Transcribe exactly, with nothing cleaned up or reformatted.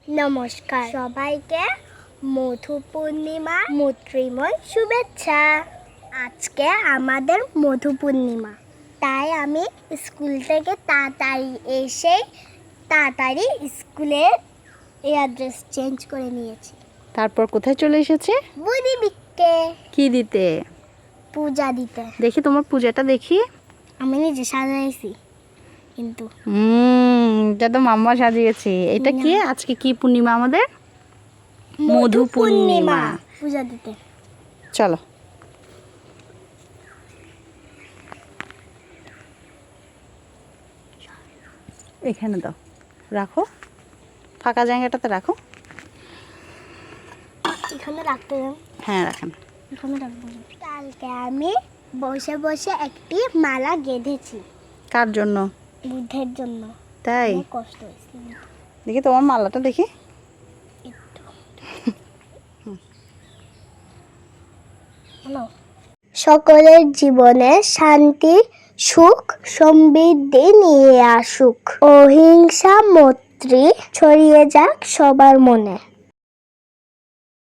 নমস্কার সবাইকে মধু পূর্ণিমা মৈত্রীময় শুভেচ্ছা। আজকে আমাদের মধু পূর্ণিমা, তাই আমি স্কুল থেকে তাড়াতাড়ি এসে তাড়াতাড়ি স্কুলের অ্যাড্রেস চেঞ্জ করে নিয়েছি। তারপর কোথায় চলে এসেছে? বুড়িদিকে কি দিতে? পূজা দিতে। দেখি তোমার পূজাটা দেখি। আমি নিজে সাজাইছি কিন্তু হুম এটা তো মাম্মা সাজিয়েছে। এটা কি আজকে কি পূর্ণিমা আমাদের? মধু পূর্ণিমা। পূজা দিতে চলো। এখানে দাও, রাখো, ফাঁকা জায়গাটাতে রাখো। এখানে রাখতে যাও। হ্যাঁ রাখেন। এখানে রাখবো। কালকে আমি বসে বসে একটি মালা গেঁথেছি। কার জন্য? বুদ্ধের জন্য। তাই? অনেক কষ্ট হয়েছে। দেখি তোমার মালাটা দেখি। সকলের জীবনে শান্তি সুখ সমৃদ্ধি নিয়ে আসুক। অহিংসা মৈত্রী ছড়িয়ে যাক সবার মনে।